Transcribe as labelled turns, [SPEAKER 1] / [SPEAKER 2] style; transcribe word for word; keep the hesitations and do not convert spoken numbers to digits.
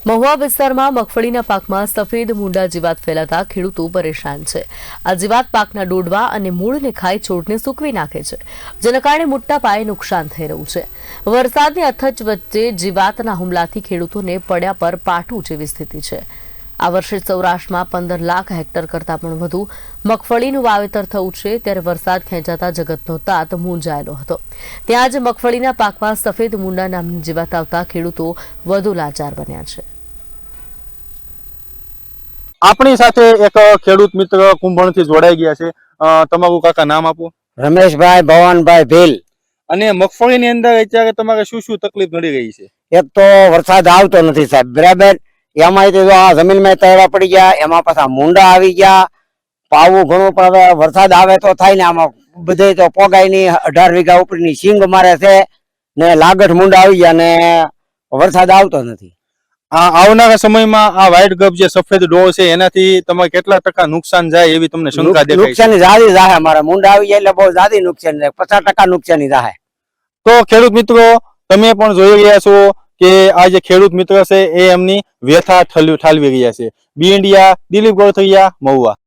[SPEAKER 1] મહુવા વિસ્તારમાં મગફળીના પાકમાં સફેદ મૂંડા જીવાત ફેલાતા ખેડૂતો પરેશાન છે। આ જીવાત પાકના ડોડવા અને મૂળને ખાઈ છોડને સૂકવી નાખે છે, જેના કારણે મોટા પાયે નુકસાન થઈ રહ્યું છે। વરસાદની અથચ વચ્ચે જીવાતના હુમલાથી ખેડૂતોને પડ્યા પર પાટું જેવી સ્થિતિ છે। આ વર્ષે સૌરાષ્ટ્રમાં પંદર લાખ હેક્ટર કરતાં પણ વધુ મગફળીનું વાવેતર થયું છે, ત્યારે વરસાદ ખેંચાતા જગતનો તાત મૂંઝાયેલો હતો। ત્યાં જ મગફળીના પાકમાં સફેદ મૂંડા નામની જીવાત આવતા ખેડૂતો વધુ લાચાર બન્યા છે।
[SPEAKER 2] આપણી સાથે એક ખેડૂત મિત્ર કુંભણથી જોડાઈ ગયા છે। તમારું કાકા નામ આપો।
[SPEAKER 3] રમેશભાઈ ભવાનભાઈ ભીલ।
[SPEAKER 2] અને મગફળીની અંદર અત્યારે તમારે શું શું તકલીફ નડી રહી છે?
[SPEAKER 3] એક તો વરસાદ આવતો નથી સાહેબ, બરાબર। એમાં આ જમીનમાં તળા પડી ગયા, એમાં પાછા મૂંડા આવી ગયા, પાવું ઘણું પણ વરસાદ આવે તો થાય ને, આમાં બધે તો પોગાય નહીં। અઢાર વીઘા ઉપરની સિંગ મારે છે ને લાગઠ મૂંડા આવી ગયા ને વરસાદ આવતો નથી।
[SPEAKER 2] આ આવનારા સમયમાં આ વ્હાઈટ ગપ જે સફેદ ડોળ છે એનાથી તમારે કેટલા ટકા નુકસાન જાય એવી તમને શંકા દેખાય છે?
[SPEAKER 3] નુકસાની જાદી જાહે, મારા મૂંડા આવી જાય એટલે બહુ જાદી નુકસાન જાય, પચાસ ટકા નુકસાની જાહે।
[SPEAKER 2] તો ખેડૂત મિત્રો, તમે પણ જોઈ રહ્યા છો કે આ જે ખેડૂત મિત્ર છે એ એમની વ્યથા ઠાલવી રહ્યા છે। B India, Dilip Gorathariya, Mahuva.